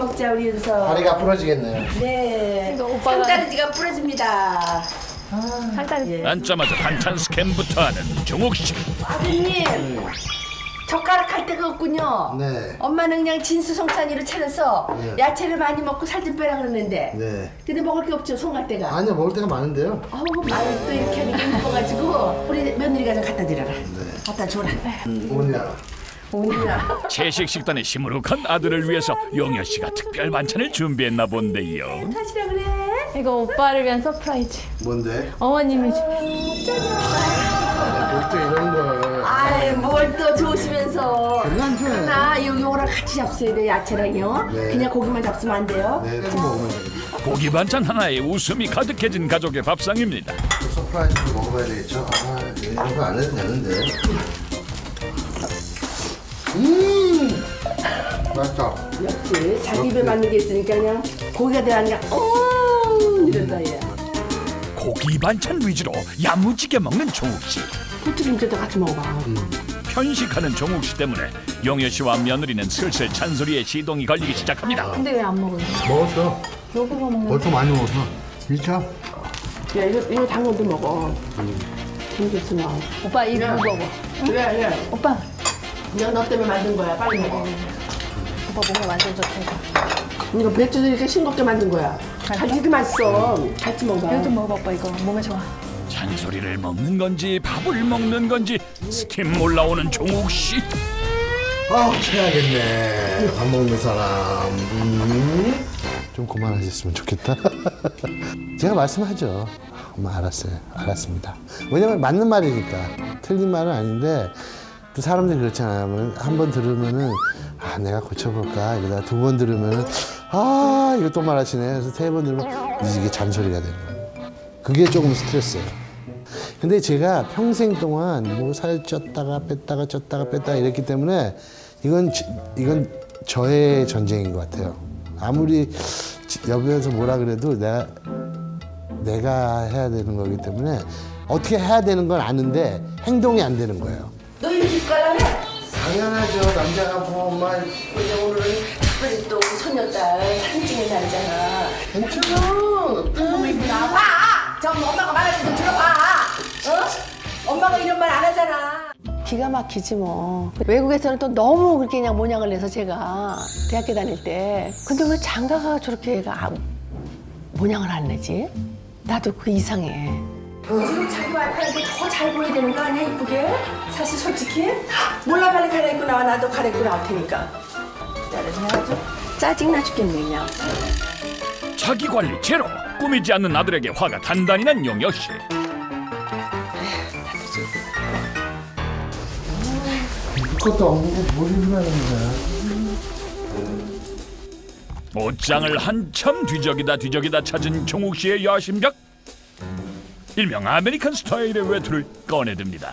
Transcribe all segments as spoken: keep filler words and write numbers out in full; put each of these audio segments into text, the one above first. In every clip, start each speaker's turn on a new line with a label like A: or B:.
A: 먹자 우리 윤서.
B: 다리가 부러지겠네요.
A: 네.
C: 이거 오빠가-
A: 상다리지가 부러집니다.
C: 살짝
D: 앉자마자 반찬 스캔부터 하는 종욱 씨.
A: 아드님. 젓가락 할 데가 없군요.
B: 네.
A: 엄마는 그냥 진수성찬이로 차려서
B: 네.
A: 야채를 많이 먹고 살 좀 빼라 그러는데.
B: 네.
A: 근데 먹을 게 없죠, 송갈 데가.
B: 아니요, 먹을 때가 많은데요.
A: 아우, 말을 또 이렇게 하니까 예뻐가지고 우리 며느리가 좀 갖다 드려라. 갖다 줘라.
B: 뭐냐?
A: 오늘아.
D: 채식 식단에 시무룩한 아들을 위해서 용여 씨가 특별 반찬을 준비했나 본데요.
A: 하시라 그래.
C: 이거 오빠를 위한 서프라이즈.
B: 뭔데?
C: 어머님이 주-
B: 볼때 이런 걸.
A: 아이, 뭘 또 좋으시면서.
B: 별로 안 좋아해요.
A: 하나, 요, 요거랑 같이 잡숴야 돼요, 야채랑요.
B: 네.
A: 그냥 고기만 잡수면 안 돼요.
B: 네, 또 먹으면 되겠다.
D: 고기 반찬 하나에 웃음이 가득해진 가족의 밥상입니다.
B: 서프라이즈도 먹어봐야 되겠죠? 아, 네, 이런 거 안 해도 되는데. 음! 맛있다.
A: 역시 자기 입에 맞는 게 있으니까 그냥 고기가 들어가니까 음 이런다 얘.
D: 고기 반찬 위주로 야무지게 먹는 종욱 씨.
A: 부추김치도 같이 먹어봐.
D: 편식하는 종욱 씨 때문에 용여 씨와 며느리는 슬슬 잔소리에 시동이 걸리기 시작합니다.
C: 근데 왜 안 먹어요?
B: 먹었어.
C: 여기서 먹는
B: 벌써 많이 먹었어. 진짜?
A: 야 이거 이거 당근도 먹어. 김치나.
C: 오빠 이거 먹어.
A: 그래 그래.
C: 오빠
A: 이거 너 때문에 만든 거야. 빨리 먹어.
C: 오빠 몸에 완전 좋다.
A: 이거 배추도 이렇게 싱겁게 만든 거야. 다 이렇게 맛있어. 같이 먹어.
C: 이거 좀 먹어봐 오빠 이거 몸에 좋아.
D: 잔소리를 먹는 건지 밥을 먹는 건지 스팀 올라오는 종욱 씨.
B: 아, 체하겠네. 밥 먹는 사람. 음. 좀 그만하셨으면 좋겠다. 제가 말씀하죠. 엄마 알았어요. 알았습니다. 왜냐면 맞는 말이니까. 틀린 말은 아닌데 또 사람들이 그렇잖아요. 한 번 들으면은 아 내가 고쳐볼까 이러다 두 번 들으면은 아 이거 또 말하시네. 그래서 세 번 들으면 이게 잔소리가 되는 거예요. 그게 조금 스트레스예요. 근데 제가 평생 동안 뭐 살 쪘다가 뺐다가 쪘다가 뺐다가 이랬기 때문에 이건 지- 이건 저의 전쟁인 것 같아요. 아무리 여기에서 뭐라 그래도 내가 내가 해야 되는 거기 때문에 어떻게 해야 되는 건 아는데 행동이 안 되는 거예요.
A: 너 이렇게 입갈라면?
B: 당연하죠. 남자가 뭐 엄마
A: 근데 오늘은 특별히 또 우리 손녀딸 사진 찍는 날이잖아.
B: 괜찮아.
A: 너무 이쁘다. 봐! 저 엄마가 말하는 거 들어봐. 어? 엄마가 이런 말 안 하잖아. 기가 막히지 뭐. 외국에서는 또 너무 그렇게 그냥 모양을 내서 제가 대학교 다닐 때. 근데 왜 장가가 저렇게 애가 아, 모양을 안 내지? 나도 그 이상해. 지금 자기 와이프한테 더 잘 보여야 되는 거 아니야, 이쁘게? 사실 솔직히? 몰라, 빨리 갈아입고 나와. 나도 갈아입고 나올 테니까. 기다려서 해가지고 짜증나 죽겠네, 그냥.
D: 자기 관리 제로. 꾸미지 않는 아들에게 화가 단단히 난 용여 씨.
B: 그것도 없는데 뭘 일하는 거야?
D: 옷장을 한참 뒤적이다 뒤적이다 찾은 종욱 씨의 야심작. 일명 아메리칸 스타일의 외투를 꺼내듭니다.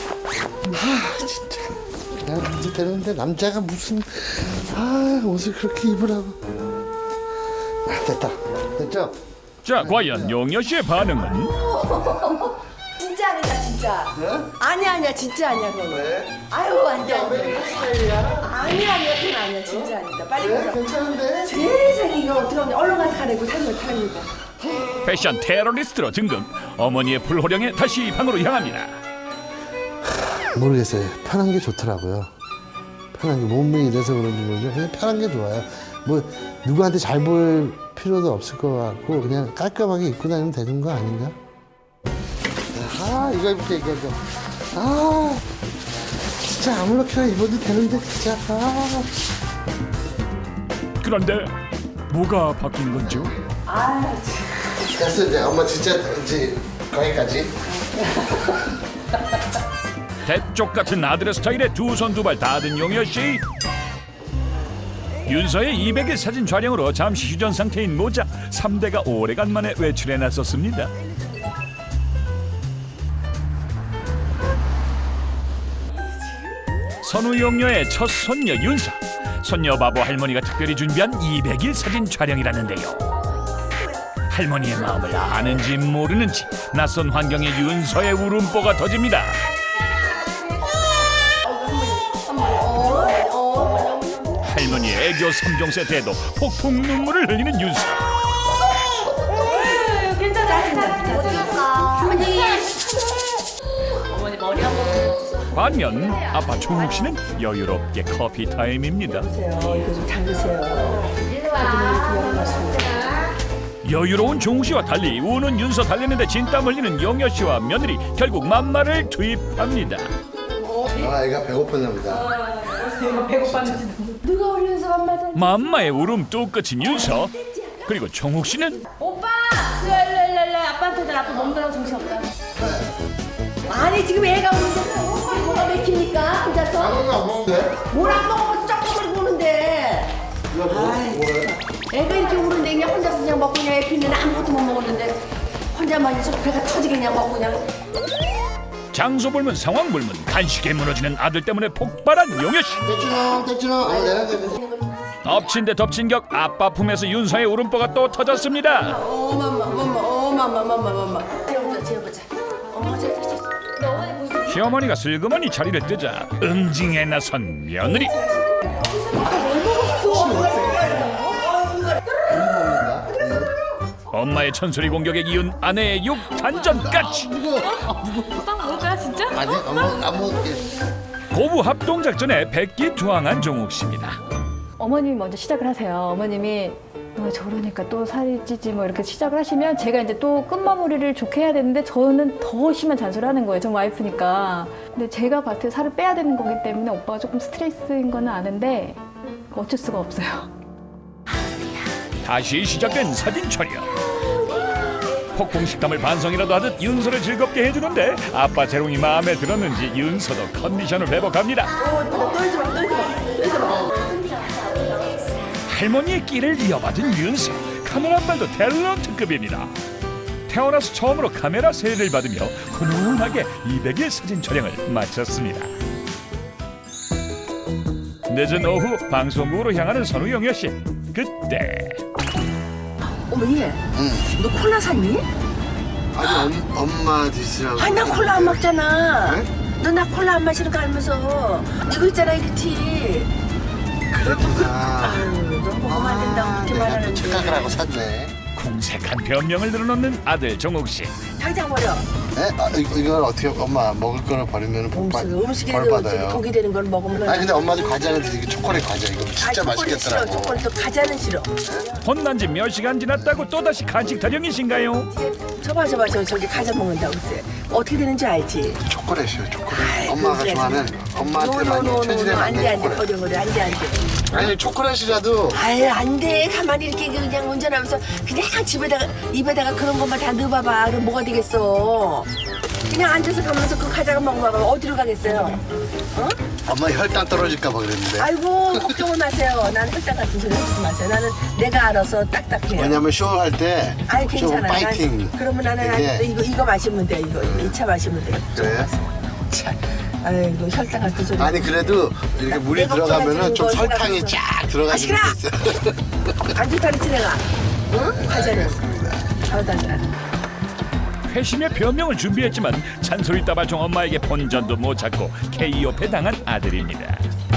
B: 내가 그렇게 되는데 남자가 무슨 아 옷을 그렇게 입으라고. 아, 됐다. 됐죠?
D: 자, 과연 용여 씨의 반응은?
A: 진짜 아니다, 진짜.
B: 네?
A: 아니야, 아니야, 진짜 아니야, 그건.
B: 왜?
A: 아유, 안 돼, 안 돼.
B: 아메리칸 스타일이야?
A: 아니야, 아니야, 그건 아니야, 진짜 아니다. 빨리
B: 왜?
A: 가자.
B: 괜찮은데?
A: 세상에, 이거 어떻게 하면 얼른 가서 가려고 타는 거 타는 거.
D: 패션 테러리스트로 등극. 어머니의 불호령에 다시 방으로 향합니다.
B: 모르겠어요. 편한 게 좋더라고요. 편한 게 몸이 이래서 그런지 모르죠. 그냥 편한 게 좋아요. 뭐 누구한테 잘 보일 필요도 없을 것 같고 그냥 깔끔하게 입고 다니면 되는 거 아닌가? 아 이거 입을게 이거 이거. 아 진짜 아무렇게나 입어도 되는데 진짜. 아.
D: 그런데 뭐가 바뀐 건지요?
A: 아, 참.
B: 됐어 이제 엄마 진짜 이제 거기까지.
D: 대쪽 같은 아들의 스타일에 두 손 두 발 다든 용여 씨. 윤서의 이백 일 사진 촬영으로 잠시 휴전 상태인 모자 삼 대가 오래간만에 외출해 나섰습니다. 선우 용녀의 첫 손녀 윤서. 손녀 바보 할머니가 특별히 준비한 이백 일 사진 촬영이라는데요. 할머니의 마음을 아는지 모르는지 낯선 환경에 윤서의 울음보가 터집니다. 할머니의 애교 라디오 삼 종 세트에도 폭풍 눈물을 흘리는 윤서. 반면 아빠 종욱 씨는 여유롭게 커피 타임입니다.
A: 이거 좀 담그세요.
D: 여유로운 종욱 씨와 달리 우는 윤서 달래는데 진땀 흘리는 영여 씨와 며느리 결국 맘마를 투입합니다.
B: 아, 애가 배고팠나 보다.
A: 누가 우리 윤서 엄마한테
D: 맘마의 울음 뚝 끝인 윤서. 그리고 종욱 씨는
C: 오빠! 일로 일로 일로 일로 아빠한테 아빠 먹느라고 정신없다.
A: 아니 지금 애가 우는데 뭐가 맥히니까 혼자서
B: 아무도 안 먹는데?
A: 뭘 안 먹어 쩍쩍거리고 우는데
B: 이거 뭐, 뭐래?
A: 애가 이렇게 우는데 그냥 혼자서 그냥 먹고 그냥 애 피는 아무것도 못 먹었는데 혼자만 있어 배가 터지게 그냥 먹고 그냥
D: 장소 불문 상황 불문 간식에 무너지는 아들 때문에 폭발한 용여 씨.
B: 떼주노, 떼주노. 어, 내가 그
D: 엎친 데 덮친 격 아빠 품에서 윤서의 울음보가 또 터졌습니다.
A: 어마마 어마마 어마마 어마마 어마마 재워보자 재워보자 어머 재워보자
D: 시어머니가 슬그머니 자리를 뜨자 응징에 나선 며느리. 엄마의 천소리 공격에 이은 아내의 육 단전까지.
C: 빵 먹을까요 진짜?
B: 아니, 안, 먹, 안 먹을게.
D: 고부 합동 작전에 백기투항한 종욱 씨입니다.
C: 어머님이 먼저 시작을 하세요. 어머님이 너 저러니까 또 살이 찌지 뭐 이렇게 시작을 하시면 제가 이제 또 끝마무리를 좋게 해야 되는데 저는 더 심한 잔소리를 하는 거예요. 전 와이프니까. 근데 제가 봤을 때 살을 빼야 되는 거기 때문에 오빠가 조금 스트레스인 거는 아는데 어쩔 수가 없어요.
D: 다시 시작된 사진 촬영. 폭풍 식탐을 반성이라도 하듯 윤서를 즐겁게 해주는데 아빠 재롱이 마음에 들었는지 윤서도 컨디션을 회복합니다. 할머니의 끼를 이어받은 윤서. 카메라빨도 탤런트급입니다. 태어나서 처음으로 카메라 세례를 받으며 훈훈하게 이백 일 사진 촬영을 마쳤습니다. 늦은 오후 방송국으로 향하는 선우영여 씨. 그때
A: 어머 얘 너 콜라 샀니?
B: 아니, 엄, 엄마 드시라고.
A: 아니 나 콜라 안 먹잖아
B: 네?
A: 너 나 콜라 안 마시는 거 알면서 이거 있잖아 이거 티
B: 그랬구나.
A: 아유 너 먹으면 안 된다고 그렇게
B: 내가 또
A: 말하는데
B: 착각을 하고 샀네.
D: 궁색한 변명을 늘어놓는 아들 정욱 씨.
A: 당장 버려
B: 에? 아, 이거, 이걸 어떻게, 엄마, 먹을 거를 버리면 복 받-
A: 음식, 음식에
B: 벌 받아요.
A: 독이 되는 걸 먹으면
B: 아니, 근데 엄마도 과자는 드시고 초콜릿 과자. 이거 진짜 맛있겠더라고.
A: 싫어 초콜릿도 과자는 싫어
D: 혼난 지 몇 시간 지났다고 또다시 간식 타령이신가요?
A: 저봐 저봐 저 저기 과자 먹는다고 글쎄 어떻게 되는지 알지?
B: 초콜릿이요, 초콜릿.
A: 아이,
B: 엄마가
A: 그래.
B: 좋아하는, 엄마한테 많이 천지대
A: 안돼
B: 많이
A: 안돼
B: 초콜릿.
A: 버려 버려 안돼 안돼
B: 아니, 초콜릿이라도
A: 아유 안돼 가만히 이렇게 그냥 운전하면서 그냥 집에다가 입에다가 그런 것만 다 넣어봐봐 그럼 뭐가 되겠어 그냥 앉아서 가면서 그 과자가 먹어봐봐 어디로 가겠어요 어?
B: 엄마 혈당 떨어질까 봐 그랬는데.
A: 아이고 걱정을 마세요 나는 혈당 같은 소리 하지 마세요 나는 내가 알아서 딱딱해요
B: 왜냐면 쇼할 때
A: 아이
B: 좀
A: 괜찮아
B: 파이팅.
A: 난, 그러면 나는
B: 이게-
A: 아직도 이거 이거 마시면 돼 이거 이 차 마시면 돼
B: 그래?
A: 참 아이고 혈당 같은 소리
B: 아니 그래도 이렇게 물이
A: 내가
B: 들어가면은 좀
A: 걱정하지
B: 설탕이
A: 거
B: 쫙 들어가지고
A: 아,
B: 있어.
A: 안 좋다 그랬지 내가 응? 과자는 아우 달라
D: 회심의 변명을 준비했지만 잔소리 따발총 엄마에게 본전도 못 찾고 케이오 패당한 아들입니다.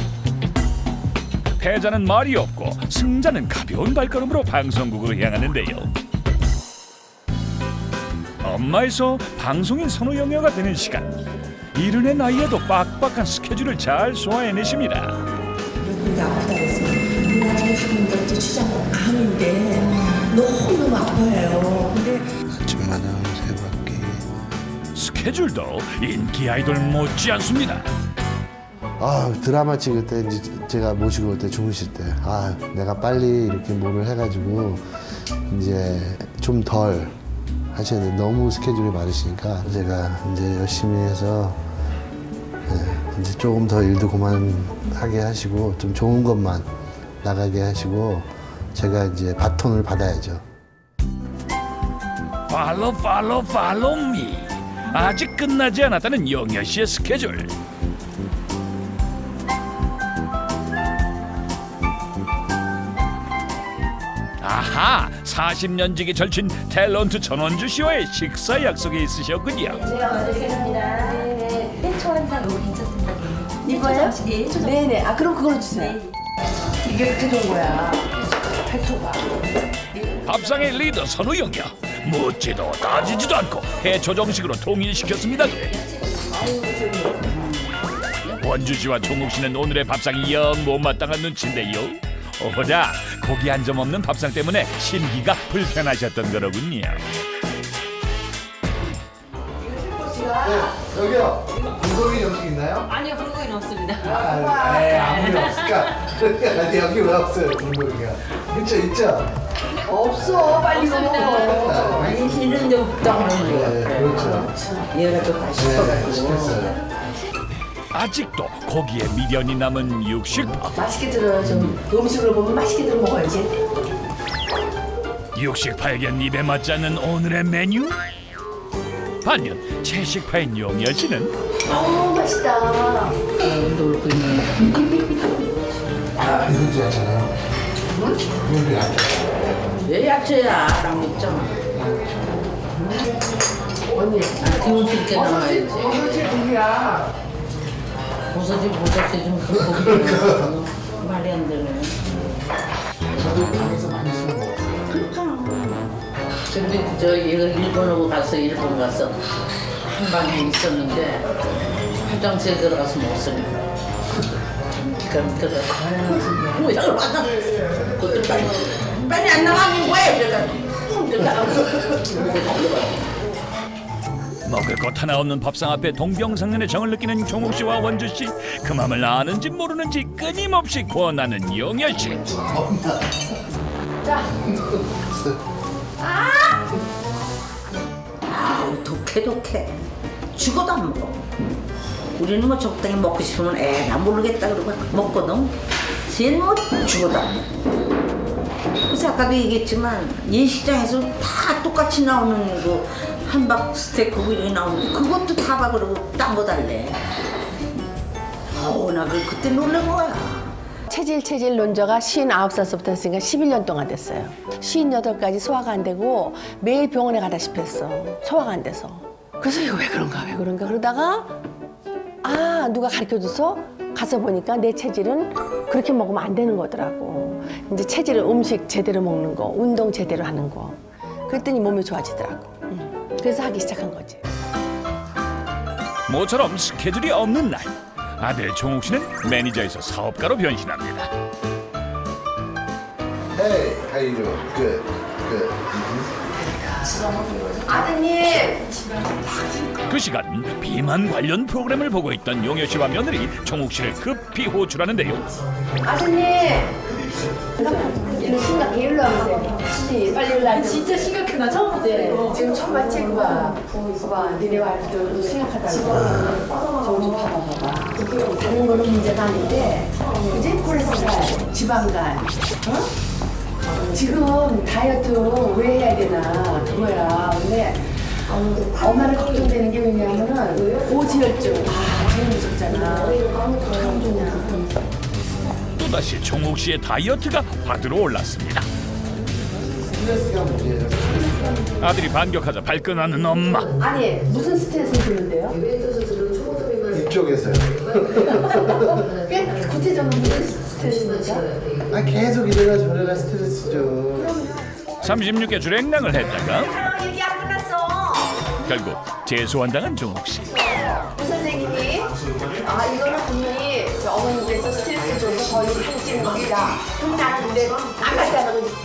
D: 패자는 말이 없고 승자는 가벼운 발걸음으로 방송국으로 향하는데요. 엄마에서 방송인 선우영여가 되는 시간. 이른의 나이에도 빡빡한 스케줄을 잘 소화해내십니다.
E: 여기 아프다고 해서 나중에 하는 게 어째 주장은 아닌데 너무너무 아파요. 근데
B: 아침마다 세 바퀴.
D: 스케줄도 인기 아이돌 못지 않습니다.
B: 아 드라마 찍을 때 이제 제가 모시고 올 때 주무실 때 아 내가 빨리 이렇게 뭐를 해가지고 이제 좀 덜 하셔야 돼. 너무 스케줄이 많으시니까 제가 이제 열심히 해서 네, 이제 조금 더 일도 그만하게 하시고 좀 좋은 것만 나가게 하시고 제가 이제 바톤을 받아야죠.
D: 팔로 팔로 팔로 미. 아직 끝나지 않았다는 영여 씨의 스케줄. 아하, 사십 년 지기 절친 탤런트 전원주 씨와의 식사 약속이 있으셨군요.
C: 제가 만들겠습니다. 네네. 해초 한 잔 너무 괜찮습니다.
A: 이거요?
C: 예, 해초
A: 네네 아 그럼 그걸로 주세요 이게 그렇게 좋은 거야. 페토가.
D: 밥상의 리더 선우영이야. 묻지도 따지지도 않고 해초 정식으로 통일시켰습니다. 원주 씨와 종욱 씨는 오늘의 밥상이 영 못마땅한 눈치인데요. 오호라 고기 한 점 없는 밥상 때문에 심기가 불편하셨던 거로군요.
B: 네, 여기요. 불고기 정식 있나요?
F: 아니요, 불고기는 없습니다.
B: 아, 네, 아무리 없을까? 아니, 여기 왜 없어요, 불고기가? 있죠, 있죠?
A: 없어, 빨리 먹어.
E: 아니 이런 데 없다고 그러는
B: 네, 그렇죠.
E: 얘가 좀
B: 네,
E: 맛있어가지고.
B: 시켰어요.
D: 아직도 고기에 미련이 남은 육식파.
A: 맛있게 들어, 좀. 음식을 보면 맛있게 들어 먹어야지.
D: 육식파에겐 입에 맞지 않는 오늘의 메뉴? 반면 채식파인 용여 씨는
A: 아우, 맛있다.
E: 놀고 있네.
B: 아, 이건 좋아하잖아요. 이건 야채.
E: 왜 야채야? 랑 먹잖아.
A: 언니.
E: 기운 있게 나와야지.
A: 어느새 누구야?
E: 버섯이 버섯이 좀 크고 말이 안 되네.
B: 저도 방에서 많이 술 먹었어요.
E: 그렇잖아. 근데 저 얘가 일본하고 가서 일본 가서 한 방에 있었는데 화장실에 들어가서 먹었으니까 기가 막혀서 뭐야 맞아. 그것도 빨리 빨리 안 나가면 뭐해? 그래가
D: 먹을 것 하나 없는 밥상 앞에 동병상련의 정을 느끼는 종욱 씨와 원주 씨. 그 맘을 아는지 모르는지 끊임없이 권하는 용여 씨.
E: 아우 독해 독해 죽어도 안 먹어. 우리는 뭐 적당히 먹고 싶으면 에나 모르겠다 그러고 먹거든. 쟤는 뭐 죽어도 안 먹어. 그래서 아까도 얘기했지만 예식장에서 다 똑같이 나오는 그 한박 스테이크 이렇게 나오는 그것도 다 봐 그러고 딴 거 달래. 어우 나 그- 그때 놀란 거야.
A: 체질 체질 논저가 쉰아홉 살서부터 했으니까 십일 년 동안 됐어요. 쉰여덟까지 소화가 안 되고 매일 병원에 가다시피 했어. 소화가 안 돼서. 그래서 이거 왜 그런가 왜 그런가 그러다가 아 누가 가르쳐줘서 가서 보니까 내 체질은 그렇게 먹으면 안 되는 거더라고. 이제 체질은 음식 제대로 먹는 거, 운동 제대로 하는 거. 그랬더니 몸이 좋아지더라고. 응. 그래서 하기 시작한 거지.
D: 모처럼 스케줄이 없는 날 아들 종욱 씨는 매니저에서 사업가로 변신합니다.
B: Hey, how you doing? Good, good.
A: 아드님
D: 그 시간 비만 관련 프로그램을 보고 있던 용여 씨와 며느리 종욱 씨를 급히 호출하는데요.
A: 아드님 이거 심각해 일로 와보세요. 씨, 빨리 일로 와보세요.
C: 진짜 심각해. 나 처음
A: 네, 지금 처음 봤지? 그거 봐봐. 니네 와이프도 심각하다고. 저거 좀 봐봐, 봐봐. 다른 거는 문제가 아닌데, 이제 콜레스테롤, 지방간, 어? 지금 다이어트 왜 해야 되나, 그거야. 근데 엄마는 걱정되는 게 왜냐면은 고지혈증. 아, 제일 무섭잖아.
D: 또다시 종욱 씨의 다이어트가 화두로 올랐습니다.
B: 스트레스가 문제예요.
D: 아들이 반격하자 발끈하는 엄마.
A: 아니, 무슨 스트레스 드는데요?
B: 이쪽에서요.
A: 꽤 구체적으로 무슨 스트레스입니까?
B: 아, 계속 이래라 저래라 스트레스죠.
D: 삼십육 개 주랭랑을 했다가
A: 얘기 안 끝났어.
D: 결국 재소환당한 종욱 씨.
A: 선생님이 아 이거는 분명히 저 어머니께서 스트레스 줘서 거의 살찌는 겁니다. 그럼 나는 근데 안 갔다는 거지.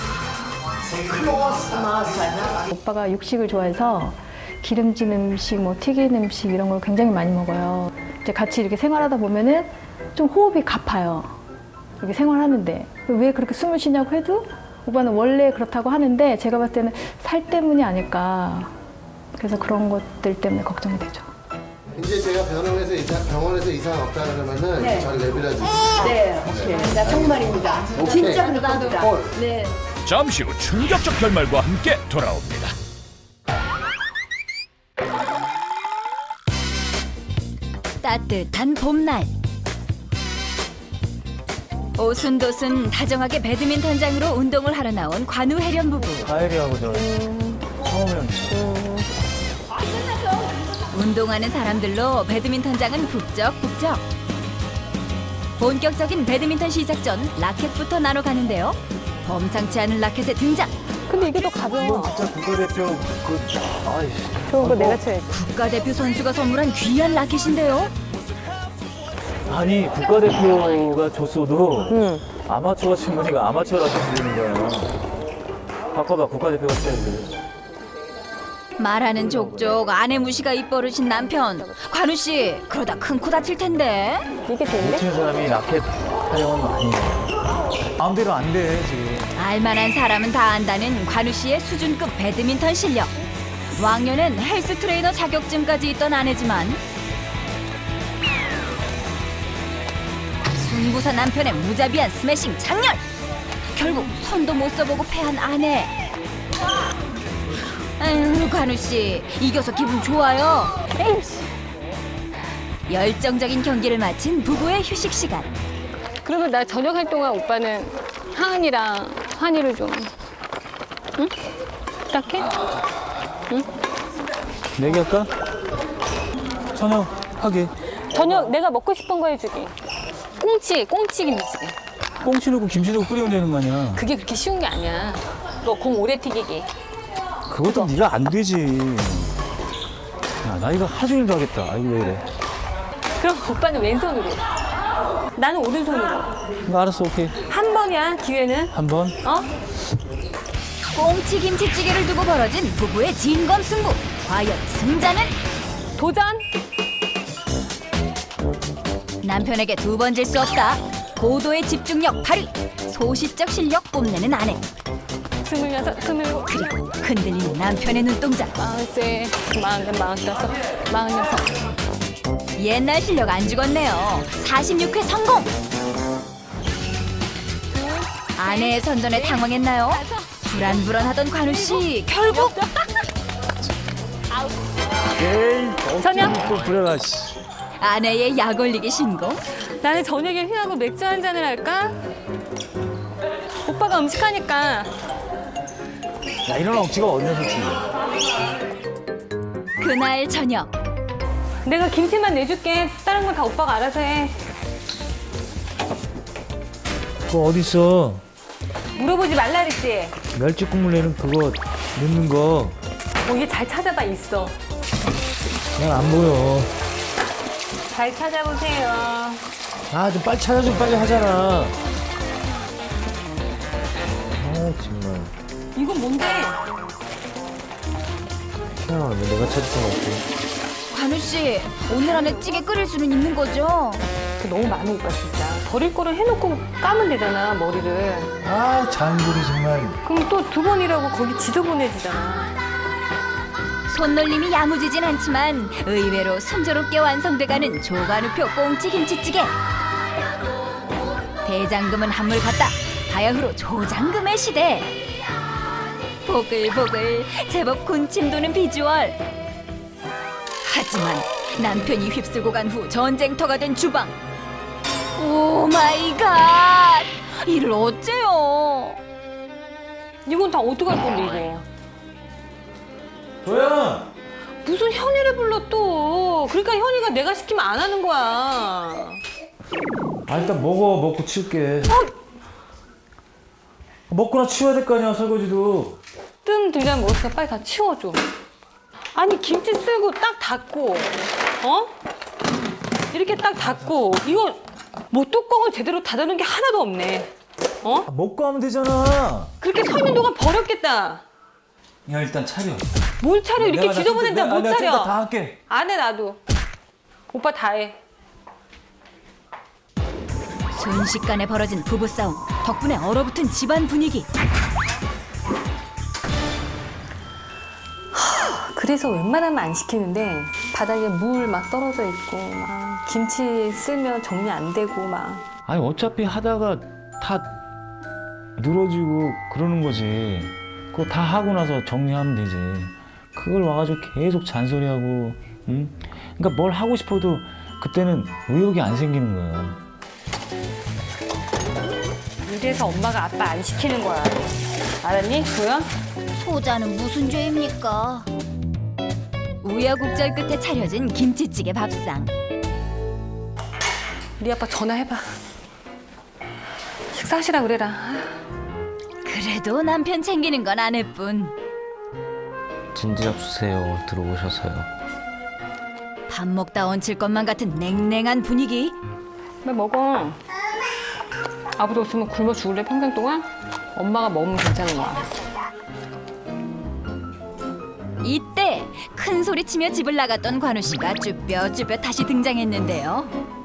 A: 클로스 마스잖아.
C: 오빠가 육식을 좋아해서 기름진 음식, 뭐 튀긴 음식 이런 걸 굉장히 많이 먹어요. 이제 같이 이렇게 생활하다 보면은 좀 호흡이 가파요. 이렇게 생활하는데 왜 그렇게 숨을 쉬냐고 해도 오빠는 원래 그렇다고 하는데 제가 봤을 때는 살 때문이 아닐까. 그래서 그런 것들 때문에 걱정이 되죠.
B: 이제 제가 병원에서 이상, 병원에서 이상 없다 그러면은
A: 네.
B: 절 내버려 주세요.
A: 네, 오케이. 나 정말입니다. 진짜 그럴 겁니다.
B: 콜.
A: 네.
D: 잠시 후 충격적 결말과 함께 돌아옵니다.
G: 따뜻한 봄날 오순도순 다정하게 배드민턴장으로 운동을 하러 나온 관우 혜련 부부.
H: 가을이하고도 처음이었는데
G: 운동하는 사람들로 배드민턴장은 북적북적. 본격적인 배드민턴 시작 전 라켓부터 나눠 가는데요. 범상치 않은 라켓의 등장.
C: 근데 이게 더 가벼워.
H: 진짜 국가대표 그 아이
C: 좋은 거 내가 쳐야지.
G: 국가대표 선수가 선물한 귀한 라켓인데요.
H: 아니 국가대표가 줬어도 아마추어 친구니까 아마추어 라켓 주는 거야. 바꿔봐 국가대표가 쳐야지.
G: 말하는 족족 아내 무시가 입버릇인 남편. 관우 씨, 그러다 큰 코 다칠 텐데.
C: 이게
H: 못
C: 되는데?
H: 치는 사람이 라켓 타령은 아니야. 마음대로 안 돼 지금.
G: 알만한 사람은 다 안다는 관우 씨의 수준급 배드민턴 실력. 왕년엔 헬스 트레이너 자격증까지 있던 아내지만 승부사 남편의 무자비한 스매싱 장렬. 결국 손도 못 써보고 패한 아내. 아유, 관우 씨, 이겨서 기분 좋아요. 열정적인 경기를 마친 부부의 휴식 시간.
C: 그러면 나 저녁 할 동안 오빠는 하은이랑 환희를 좀, 응? 부탁해?
H: 내기할까? 저녁 하게.
C: 저녁 내가 먹고 싶은 거 해주기. 꽁치, 꽁치 김치찌개.
H: 꽁치 넣고 김치 넣고 끓이면 되는 거 아니야.
C: 그게 그렇게 쉬운 게 아니야. 너 공 오래 튀기기.
H: 그것도 네가 안 되지. 야, 나 이거 하루 종일도 하겠다. 아이고 왜 이래.
C: 그럼 오빠는 왼손으로. 나는 오른손으로.
H: 이거 알았어 오케이.
C: 한 번이야, 기회는.
H: 한 번.
C: 어?
G: 꽁치 김치찌개를 두고 벌어진 부부의 진검승부. 과연 승자는?
C: 도전!
G: 남편에게 두 번 질 수 없다. 고도의 집중력 발휘. 소시적 실력 뽐내는 아내.
C: 스물여섯, 스물일곱,
G: 그리고 흔들리는 남편의 눈동자.
C: 마흔세, 마흔, 마흔다섯, 마흔여섯.
G: 옛날 실력 안 죽었네요. 사십육 회 성공. 아내의 선전에 당황했나요? 불안불안하던 관우 씨 결국
H: 에이.
C: 저녁?
H: 또 부려라 씨.
G: 아내의 약 올리기 신고.
C: 나는 저녁에 휘하고 맥주 한 잔을 할까? 오빠가 음식하니까.
H: 야 이런 억지가 어디서 솔직히.
G: 그날 저녁
C: 내가 김치만 내줄게. 다른 건 다 오빠가 알아서 해.
H: 그거 어디 있어?
C: 물어보지 말라 그랬지?
H: 멸치 국물 내는 그거 넣는 거.
C: 어, 얘 잘 찾아봐, 있어.
H: 난 안 보여.
C: 잘 찾아보세요.
H: 아 좀 빨리 찾아줘 빨리 하잖아. 아 정말.
C: 이건 뭔데?
H: 희한하네 내가 찾을 수가 없고.
G: 관우 씨 오늘 안에 찌개 끓일 수는 있는 거죠?
C: 너무 많아, 오빠 진짜. 버릴 거를 해놓고 까면 되잖아, 머리를.
H: 아 장돌이 정말.
C: 그럼 또 두 번이라고 거기 지저분해지잖아.
G: 손놀림이 야무지진 않지만 의외로 순조롭게 완성돼가는 조관우표 꽁치 김치찌개. 대장금은 한물 갔다. 바야흐로 조장금의 시대. 보글보글 제법 군침 도는 비주얼. 하지만 남편이 휩쓸고 간 후 전쟁터가 된 주방. 오 마이 갓! 이를 어째요?
C: 이건 다 어떡할 건데, 이거.
H: 조연.
C: 무슨 현이를 불러 또. 그러니까 현이가 내가 시키면 안 하는 거야.
H: 아 일단 먹어 먹고 치울게. 먹거나 치워야 될 거 아니야 설거지도.
C: 뜸 들면 먹었으니까 빨리 다 치워줘. 아니 김치 쓸고 딱 닫고, 어? 이렇게 딱 닫고, 이거 뭐 뚜껑을 제대로 닫아놓은 게 하나도 없네. 어?
H: 아, 먹고 하면 되잖아.
C: 그렇게 서 있는 동안 버렸겠다.
H: 야 일단 차려.
C: 뭘 차려, 이렇게
H: 내가 나
C: 지저분한데
H: 좀-
C: 못
H: 내가 좀
C: 차려.
H: 이따 다 할게.
C: 안 해, 나도. 오빠 다 해.
G: 순식간에 벌어진 부부싸움. 덕분에 얼어붙은 집안 분위기.
C: 그래서 웬만하면 안 시키는데 바닥에 물 막 떨어져 있고 막 김치 쓸면 정리 안 되고 막.
H: 아니 어차피 하다가 다 늘어지고 그러는 거지. 그거 다 하고 나서 정리하면 되지. 그걸 와가지고 계속 잔소리하고, 응? 그러니까 뭘 하고 싶어도 그때는 의욕이 안 생기는 거야.
C: 이래서 엄마가 아빠 안 시키는 거야. 알았니, 조연?
G: 소자는 무슨 죄입니까? 우여곡절 끝에 차려진 김치찌개 밥상.
C: 우리 아빠 전화해봐.
F: 식사하시라 그래라.
G: 그래도 남편 챙기는 건 아내뿐.
H: 진지 잡수세요. 들어오셔서요.
G: 밥 먹다 얹힐 것만 같은 냉랭한 분위기.
F: 왜 먹어? 아버지 없으면 굶어 죽을래 평생 동안? 엄마가 먹으면 괜찮은 거야.
G: 이때 큰 소리 치며 집을 나갔던 관우 씨가 쭈뼛쭈뼛 다시 등장했는데요.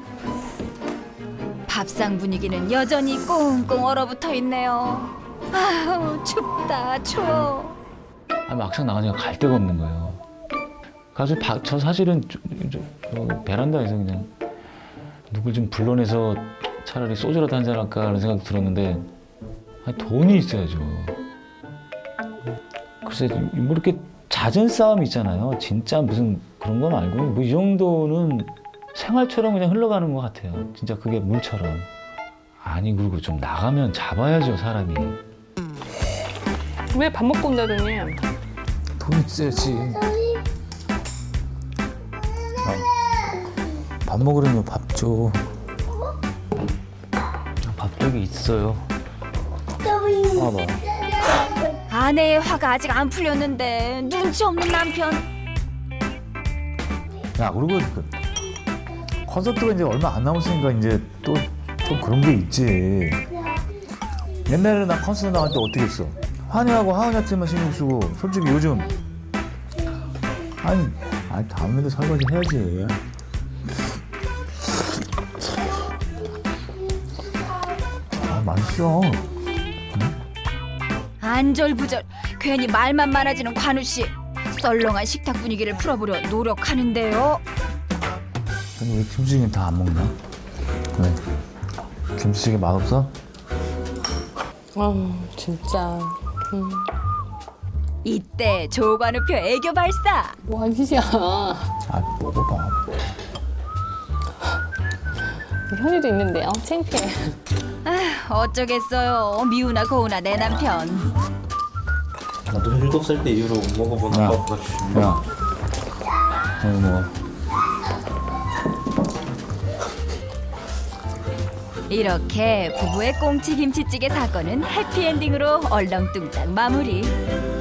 G: 밥상 분위기는 여전히 꽁꽁 얼어붙어 있네요. 아우 춥다 추워.
H: 아, 막상 나가니까 갈 데가 없는 거예요. 가서 바, 저 사실은 저, 저, 저 베란다에서 그냥 누굴 좀 불러내서 차라리 소주라도 한잔 할까 하는 생각도 들었는데 아니, 돈이 있어야죠. 글쎄 뭐 이렇게 잦은 싸움 있잖아요. 진짜 무슨 그런 건 말고 뭐 이 정도는 생활처럼 그냥 흘러가는 것 같아요. 진짜 그게 물처럼. 아니 그리고 좀 나가면 잡아야죠 사람이.
F: 왜 밥 먹고 온다더니?
H: 돈 있어야지. 밥 먹으려면 밥 줘. 밥 저기 있어요. 봐봐.
G: 아내의 화가 아직 안 풀렸는데 눈치 없는 남편.
I: 야 그리고 그 콘서트가 이제 얼마 안 남았으니까 이제 또 좀 그런 게 있지. 옛날에 나 콘서트 나갈 때 어떻게 했어? 환희하고 하은이한테만 신경 쓰고 솔직히 요즘 아니 아니 다음에도 설거지 해야지. 아 맛있어.
G: 안절부절 괜히 말만 많아지는 관우 씨. 썰렁한 식탁 분위기를 풀어보려 노력하는데요.
I: 근데 왜 김치찌개 다 안 먹나? 왜? 김치찌개 맛없어?
F: 아 진짜. 음.
G: 이때 조관우표 애교 발사.
F: 뭐 하는 짓이야.
I: 아 먹어봐.
F: 현이도 있는데요. 창피해.
G: 아휴, 어쩌겠어요. 미우나 고우나 내 남편.
J: 나도 일곱 살 때 이후로 못 먹어본
I: 야.
J: 아빠보다
I: 야, 여기 먹어.
G: 이렇게 부부의 꽁치 김치찌개 사건은 해피엔딩으로 얼렁뚱땅 마무리.